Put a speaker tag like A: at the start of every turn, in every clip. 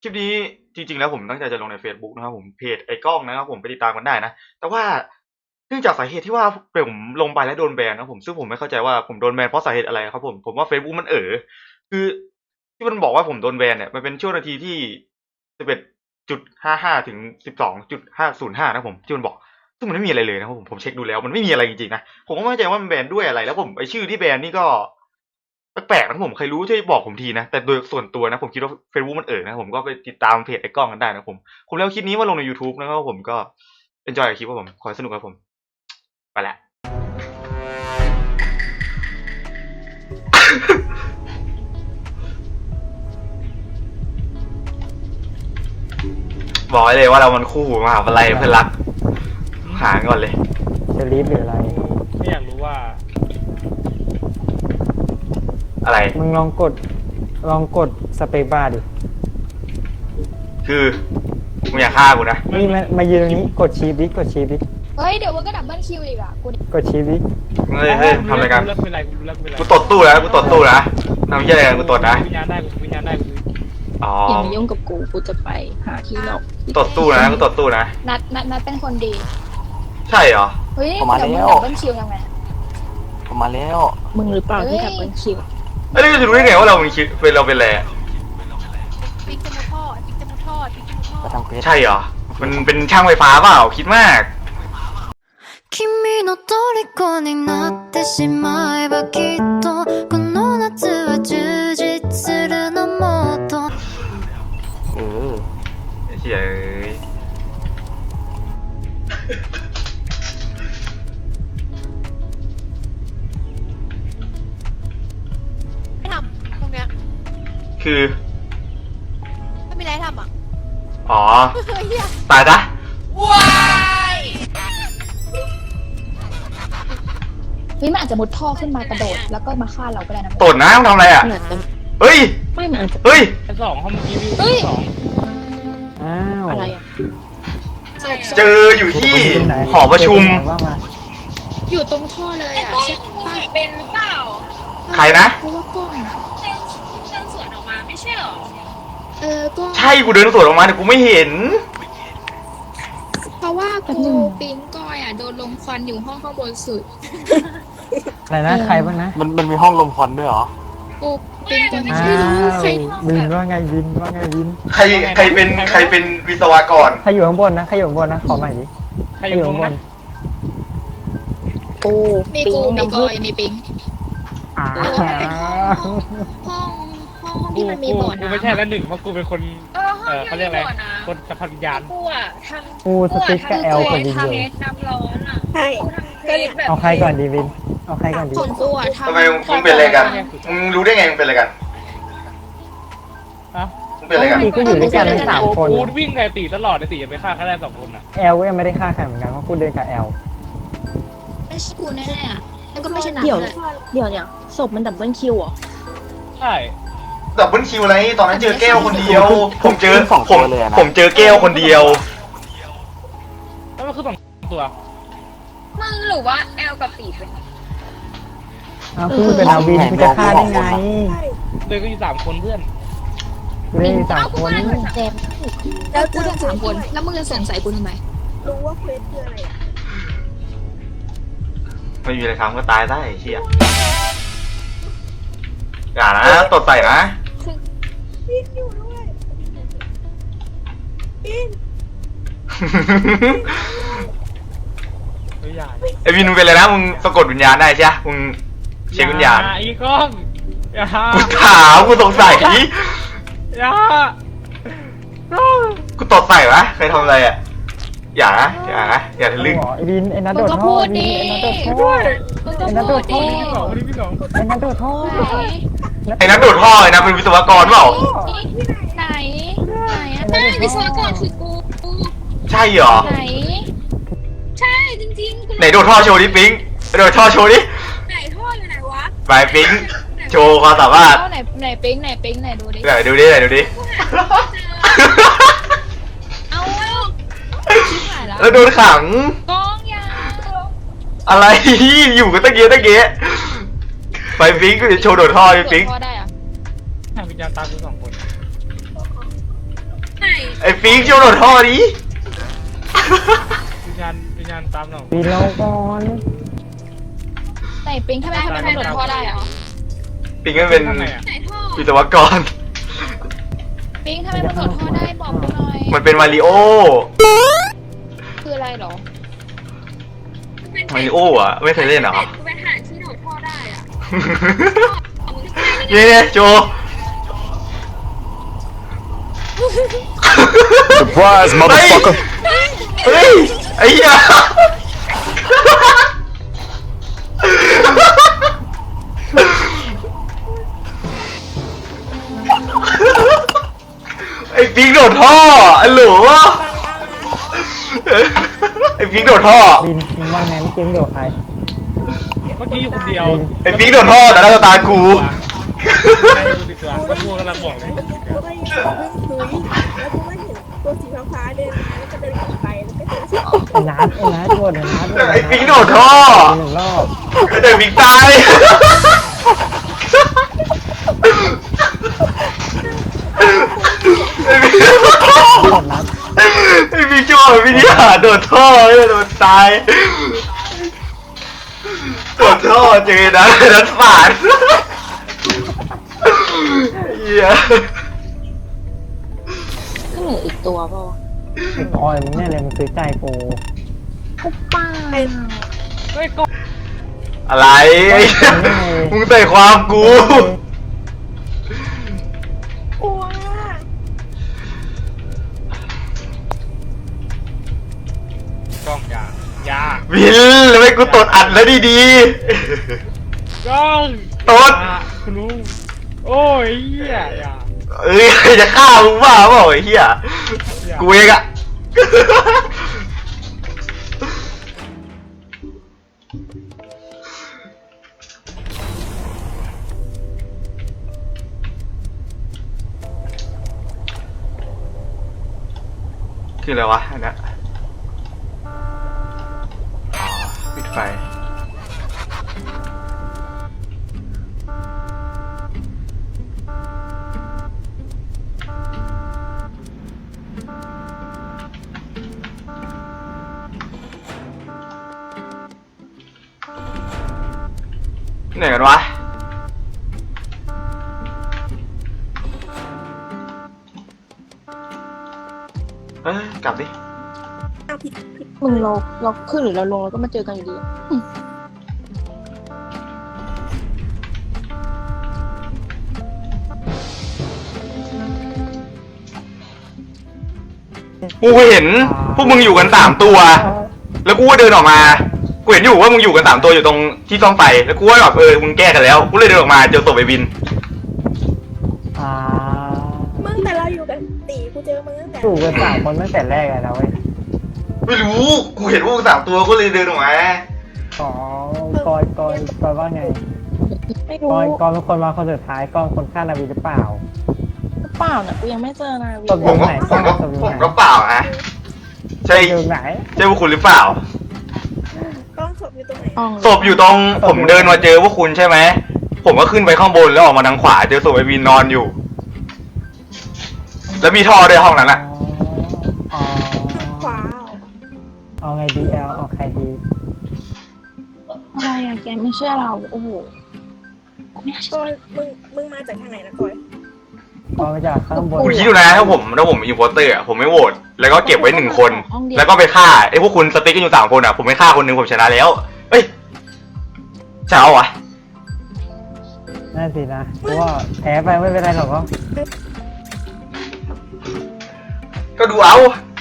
A: คลิปนี้จริงๆแล้วผมตั้งใจจะลงใน Facebook นะครับผมเพจไอ้กล้องนะครับผมไปติดตามกันได้นะแต่ว่าเนื่องจากสาเหตุที่ว่าผมลงไปแล้วโดนแบนนะผมซึ่งผมไม่เข้าใจว่าผมโดนแบนเพราะสาเหตุอะไรครับผมว่า Facebook มันคือที่มันบอกว่าผมโดนแบนเนี่ยมันเป็นช่วงนาทีที่11.55 ถึง 12.505นะผมที่มันบอกซึ่งมันไม่มีอะไรเลยนะครับผมเช็คดูแล้วมันไม่มีอะไรจริงๆนะผมก็ไม่เข้าใจว่ามันแบนด้วยอะไรแล้วผมไอ้ชื่อที่แบนนี่ก็แปลกๆนะผมใครรู้ช่วยบอกผมทีนะแต่โดยส่วนตัวนะผมคิดว่า Facebook มันนะผมก็ไปติดตามเพจไอ้กล้องกันได้นะผมแล้วคลิปนี้มาลงใน YouTube นะครับผมก็ enjoy กับคลิปครับผมขอให้สนุกครับผมไปละ บอกเลยว่าเรามันคู่มหาวิทยาลัยเพื่อนรักหาก่อนเลย
B: จะรีบหรืออะไร
C: ไม่อยากรู้ว่า
A: อะไร
B: มึงลองกดสเปคบาร์ดิ
A: คือมึงอยากฆ่ากูนะ
B: นี่มายืนตรงนี้กดชีฟดิกดชีฟดิ
D: เฮ้ย เดี๋ยวมันก็ดับเบิลคิวอีกอ่ะกู
B: กดชีฟดิ
A: เฮ้ยทำอะไรกัน
C: กูเลิกเป็นไรกูเลิกเป็นไร
A: กูตดตู้นะกูตดตู้นะทำเหี้ยอะไรกันกูตดนะ
C: วิญญาณได้กูวิญญาณได้กู
A: อ๋อ
D: อย่ามายุ่งกับกู กูจะไปหาที่หลบ
A: ตดตู้นะกูตดตู้นะ
D: นัดเป็นคนดี
A: ใช่เหรอ
D: เฮ้ย
E: ผมมา
D: เดี๋ยวมึง
E: แล้ว
D: ดับเบิลคิวยังไง
E: ผมมาแล้ว
F: มึงหรือเปล่าที่ดับเบิลคิว
A: เอ้ยเราจะรู้ได้ไงว่าเราเป็นอะไรอะ
D: ปิ๊กจมูกทอดปิ๊กจมูกทอดปิ๊กจมูกทอ
E: มา
D: ด
E: ทำเควส
A: ใช่เหรอมันเป็นช่างไฟฟ้าเปล่าคิดมาก
G: 君の虜になってしまえばきっとこの夏は充実するのもっと
E: เออ
A: ไอ้เหี้ยเอ้ย
D: ไม่ทำตรงเนี้ย
A: คือ
D: ไม่มีอะไรทำอ่ะ
A: อ๋อ
D: เฮีย
A: ตายซะ
D: เฮ้ยมันอาจจะมุดท่อขึ้นมากระโดดแล้วก็มาฆ่าเราก็ได้นะ
A: ตดนะมึงทำอะไรอ่ะ
F: เหมือนจะ
A: เฮ้ย
F: ไม่มันอาจจะ
A: เฮ้ย
C: ไอ้สองห้องเมื่อกี้วิวสอง
B: อ้าว
F: อะไรอ่ะ
A: เจออยู่ที่หอประชุม
B: ว่ามา
F: อยู่ตรงท่อเลยอ่ะใช่ปะ
D: เป็นหรือเปล่า
A: ใครนะ
F: เพราะว่ากล้อง
D: เชิญสวนออกมาไม่ใช่หรอ
F: ก็
A: ใช่กูเดินสวนออกมาแต่กูไม่เห็น
F: เพราะว่ากูปิ๊งก้อยอ่ะโดนลมควันอยู่ห้องข้างบนสุด
B: อะไรนะใครบ้างนะ
E: มันมีห้องลมควันด้วยเหรอ
F: กูปิ๊งจน
B: อ้า
F: ไม่รู้
B: ว
F: ใคร
B: วินว่าไงวินว่าไงวิน
A: ใครเป็นวิศวกร
B: ใครอยู่ข้างบนนะใครอยู่ข้างบนนะขอใหม่ดิ
C: ใครอยู่ตรงนั้น
F: กู
D: มี
F: ปิ๊
D: กู
F: ง
D: มี
F: น้ำ
D: ก
F: ผึ้
D: อง ยมีปิง
B: อ้า
F: ห้องที่มันมีบ่อ
C: กู
F: น้ำ
C: ไม่ใช่แล้วหนึ่งเพราะกูเป็นคนเขาเรียกอะไรคนสัมผัสวิญญาณ
D: กูอ่ะทำ
B: กูสติ๊กกับแอลกับวินอยู่
D: น้ำร้อนอ่ะ
F: ใช่
D: ก็เลยแบบ
B: เอาใครก่อนดีวินเอาใครก่อนดี
F: ของกูอ่ะ
A: ทำไมมึงเป็นอะไรกันมึงรู้ได้ไงมึงเป็นอะไรกัน
C: อ่ะ
A: มึงเป็นอะไรกัน
B: ตีก็อยู่ด้วยกันทั้งสามคน
C: กูวิ่งไงตีตลอดไอ้ตีจะไปฆ่าแค่ได้สองคนอ่ะ
B: แอลก็ยังไม่ได้ฆ่าใครเหมือนกันเพราะกูเดินกับแอล
F: ไม่ใช่กูแน่ๆอ่ะแล้วก็ไม่ใช่นั
H: เดี๋ยว
F: เลย
H: เดี๋ยวเนี่ยศพมันดับเบิลคิวเหรอ
C: ใช่
A: ดับเบิลคิวอะไรตอนนั้นเจอแก้วคนเดียว ผมเจอ
E: สองตัวเลยอะนะ
A: ผมเจอแก้วคนเดียว
C: แล้วมันคือสองตัว
D: มึงหรือว่าแอลกับปีเป็น
B: อ้าวกูเป็นอาวินกูจะฆ่าได้ไง
C: เดินก็อยู่สามคนเพื่อน
B: กูได้สามคน
F: แจม
D: แล้วกูทั้ง3 คน แล้วมึงจะสงสัยกูทำไม
H: รู้ว่าเควสคืออะไรอ่ะ
A: ไม่มีอะไรทำก็ตายได้ไอ้เชี่ยอย่านะตดใส่นะ
H: พี่อยู่ด้วยพี่
C: ตัวใหญ่
A: ไอวินมึงเป็นอะไรนะมึงสะกดวิญญาณได้ใช่ไหมมึงเช็ควิญญาณ
C: อีกล้องอย่า
A: กูถามกูสงสัย
C: อย่า
A: กูตดใส่วะใครทำอะไรอ่ะอย่านะอย่าทะลึ่ง
B: ไอ้วินไอ้นัท
D: มึ
B: โด
D: ง
B: ด
D: ก็
B: ท่อ
D: พูด
B: วิ
D: ดิ
B: นไอ้นัทโดดท่อ
D: มึงก็พูดดิ
C: พี่สองคนนี้พี่สอง
B: ไอ้นัทโดดท่อ
A: ไอ้นั้นโดดท่อไอ้นะเป็นวิศวกรเปล่า
D: ไหนไหนอะ
F: ไม่วิศวกรคือกู
A: ใช่เหรอ
D: ไหน
F: ใช่จริงๆกู
A: ไหนโดดท่อโชว์ดิปิ๊งโดดท่อโชว์ดิ
F: ไหนท่ออยู่ไหนวะ
A: ไปปิ๊งโชว์ความสามารถ
D: เอาไหนปิ๊งไหนดูดิ
A: ไหนดูดิไหนดูดิ
D: เอาชิบหายแล้ว
A: แล้วโดนขัง
D: กองยาว
A: อะไร อยู่กันตะเกียะไปปิ๊งโชว์โดดท่อดิปิ๊ง
D: พอได้อะ
C: วิญญาณตามกูสองคน
A: ไอ้ฟิงช่วยโดดท่อดิ
C: วิญญาณตามหนอง
B: ปีนเราก่อน
D: ไหนปิงทำไมมันโดดท่อได้อะ
A: ปิงก็เป็น
C: ข้างในอ่ะ
F: ไหนท่อ
A: วิศวกร
D: ปิงทำไมมันโดดท่อได้บอกกูหน่อย
A: มันเป็นมาริโอ
D: คืออะไรเหรอ
A: มาริโออ่ะไม่เคยเล่นเหรอ
F: กูไปหาที่โดดท่อได้อ่ะ
A: เนี่ยโจ
E: Surprise motherfucker
A: เฮ้ยไอ้เหี้ยไอ้ปิงโดดท่อไอ้หลูไอ้ปิงโดดท่อ
B: ปีนว่าไงไม่เก่งโดดใคร
C: เมื่อกี้อยู่คนเดียว
A: ไอ้ปิงโดดท่อแต่หน้าตากู
C: ใช่ดูดิตัวก็พูดกำลังบอกเลย
H: กูก็ยังเพิ่งคุยแล้วกูก็เห็นตัวสีฟ้าๆเดินมาแล้วก็เดินกลับไปแล้วก็เจอสี
B: ไอ้นัดโดดไอ้นัด
A: ไอ้ปิงโดดท่อ
B: หนึ่งรอบ
A: แต่ปิงตายไอ้ปิง
B: โดดนัด
A: ไอ้ปิงช่วยวิทยาโดดท่อโดดตายโดดท่อเจอนะนั้นฝาดเหี้ย
H: ก็เหลืออีกตัวเปล่าวะ
B: ไอ้กอยมึงเนี่ยเลยมึงซื้อใจกู
H: ป้า
C: เฮ้ยก็
A: อะไรไอ้เหี้ยมึงใส่ความกู
H: กลัว
C: กล้องยา
A: วินแล้วไม่กูตดอัดแล้วดี
C: กล้อง
A: ตด
C: คุณลุงโอ้ยเหี้ยอย่า
A: ๆเอ้ยจะฆ่ามึงบ้าเปล่าไอ้เหี้ยกูเองอะคืออะไรวะอันเนี้ยอ๋อปิดไฟไหนกันวะกลับดิ
H: เอาผิด
D: มึงเราขึ้นหรือเราลงแล้วก็มาเจอกันอยู่ดีอะ
A: กูเห็นพวกมึงอยู่กัน3 ตัว แล้วกูก็เดินออกมา กูเห็นอยู่ว่ามึงอยู่กัน3 ตัวอยู่ตรงที่ซ่อมไฟ แล้วกูก็แบบมึงแก้กันแล้ว กูเลยเดินออกมาเจอศพไอ้บิน
B: อ่า
H: มึงแต่เราอยู่กันตีกูเจอมึงตั้งแต่
B: ถูกกัน3 คนตั้งแต่แรกเลยนะเว้ย
A: ไม่รู้ กูเห็นพวกมึง3 ตัวก็เลยเดินออกมา
B: อ๋อกอยว่าไง
H: ไม่รู้
B: กอยเป็นคนมาคนสุดท้ายกอยคนฆ่านาวีหรือเปล่า
H: เปล่านะกูยังไม่เจอนาวี
B: ตบ
A: ผมก็ผมก็เปล่านะใช่
B: อยู่ไหน
A: ใช่พวกคุณหรือเปล่า
H: กล้องศพอยู่ตรงไหน
A: ศพอยู่ตรงผมเดินมาเจอพวกคุณใช่ไหม ผมก็ขึ้นไปข้างบนแล้วออกมาทางขวาเจอศพไอ้บินนอนอยู่ แล้วมีท่อด้วยห้องนั้นอะ
B: อ๋อ
H: ขวา
B: เอาไงดีเอาใครดี
D: อะไรอะแกไม่เชื่อเรา โอ้โห
H: ก้อยมึงมาจากทางไหนนะก้อย
B: กอยมาจากข้างบน
A: คุณคิดดูนะถ้าผมอินโพสเตอร์อะผมไม่โหวตแล้วก็เก็บไว้1 คน แล้วก็ไปฆ่าไอ้พวกคุณสติ๊กกันอยู่3 คนอะผมไม่ฆ่าคนหนึงผมชนะแล้วเอ้ยชนะวะ
B: นั่นสินะเพราะว่าแพ้ไปไม่เป็นไรหรอกก็
A: ก็ดูเอา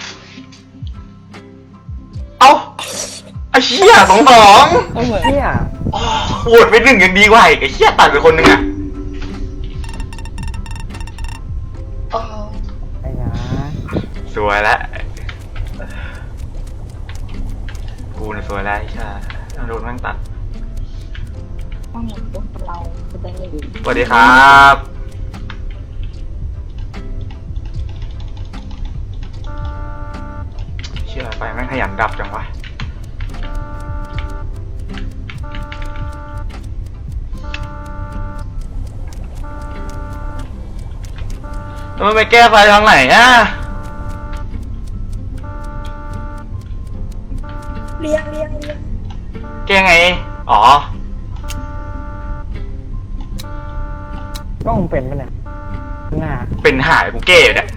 A: ไอ้เชี่ย2-2
B: เที่ย
A: โหวตไป1ยังดีกว่าอีกไอ้เชี่ยตัดไปคนหนึงอะ
B: ไอ้นะ
A: สวยแล้วกูเนี่ยสวยแล้วไอ้เชี่ยโดนแม่งตัด
D: ต้องอย่างตัวเราจะได้ไม่ดี
A: สวัสดีครับเชื่อไปแม่งขยันดับจังวะแล้วมันไปแก้ไฟทางไหนอะ
H: เลี้ยง
A: แกไง อ๋อ
B: ก็คงเป็นปะเนี่ยหน้า
A: เป็นหายผมแก้อยู่เนี่ย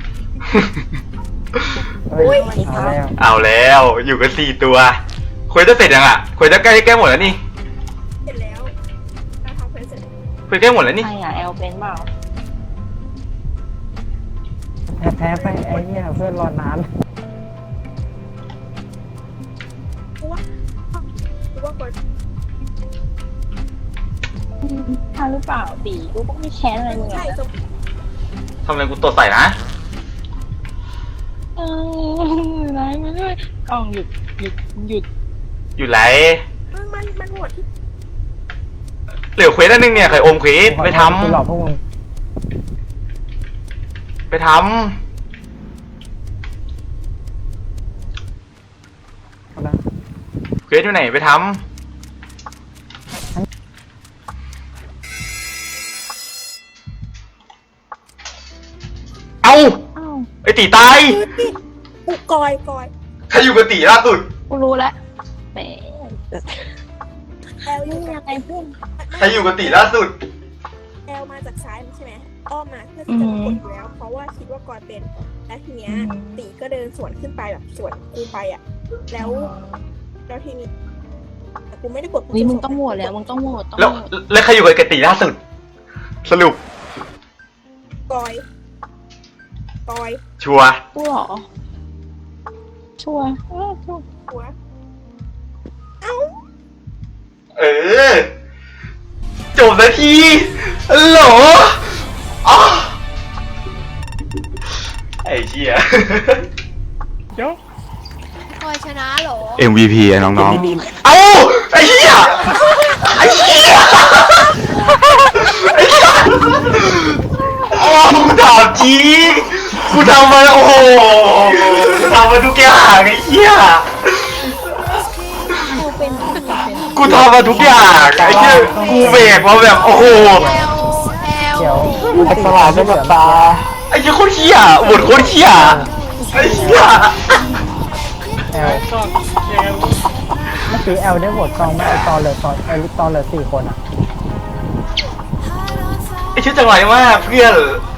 B: เฮ้ยเอาแล้ว
A: เอาแล้วอยู่กัน4 ตัวคุยจะเสร็จยังอ่ะคุยจะใกล้หมดแล้วนี่
H: เสร็จแล้วเราทำเควสเสร็จ
A: คุยใกล้หมดแล้วนี่
I: ใครอะแอลเป็นเปล่า
B: แพ้ไปไอ้เนี่ยเพื่อนรอนาน
H: กูว่าก่อน
I: ถ้าหรือเปล่าตีกูก็ไม่แค้นอะไรมึงหรอ
H: ใช่
I: ก
H: สม
A: ทำอะไรกูตัวใส่นะ
I: เออไรมาด้วยกล้องหยุด
A: อยู่ไหน
H: มันโหวตที่
A: เหลือเควสอันนึงเนี่ยไข่อมเควสไปท
B: กูหลอกพวกมึง
A: ำไปท
B: เอาละ
A: ำเควสอยู่ไหนไปทำเอา
I: อ้าว
A: ไอตีตาย
H: อุกอย
A: ใครอยู่กับตีล่าสุด
I: กูรู้แล้วแหม
H: แอลอยู่
I: ยังไงเพื่อน
A: ใครอยู่กับตีล่าสุด
H: แอลมาจากซ้ายใช่ไหมอ้อมมาเพื่อที่จะมากดอยู่แล้ว เพราะว่าคิดว่ากอยเป็นแล้วทีเนี้ยตีก็เดินสวนขึ้นไปแบบสวนกูไปอ่ะแล้วทีนี้แต่กูไม่ได้กด
I: เฮ้ยมึงต้องโหวตแล้วมึงต้องโหวตต้อง
A: แล้ว
I: โหวต
A: แล้วใครอยู่กับตีล่าสุด สรุป
H: กอย
A: ชัวร์
I: กูเหรอชัวร์ชัวร์
H: หัว
A: เออ จบนาทีโหลอ๋อไอ้เชี่ย
C: เดี๋ยว
D: คอยชนะเหรอ
E: MVP อะน้อง
A: เอ้าไอ้เหี้ยไอ้เหี้ยไอ้เหี้ยโอ้กูถามจริงกูทำมาโอ้โหกูทำมาทุกอย่างไอ้เหี้ย
I: กูเป็นกูเป็น
A: กูทำมาทุกอย่างไอ้เหี้ยกูเบรกมาแบบโอ้โห
B: เดี๋ยวมันจะสว่างด้วยกับตา
A: ไอ้เหี้ยโคตรเหี้ยบทโคตรเหี้ยไอ้เหี้ย
B: แอล
C: ก็ยังไง
B: เมื่อกี้แอลได้โหวตตองไหมไอตอนเหลือ4 คนอ่ะ
A: ไอ้เชี่ยจังไรมากเพื่อน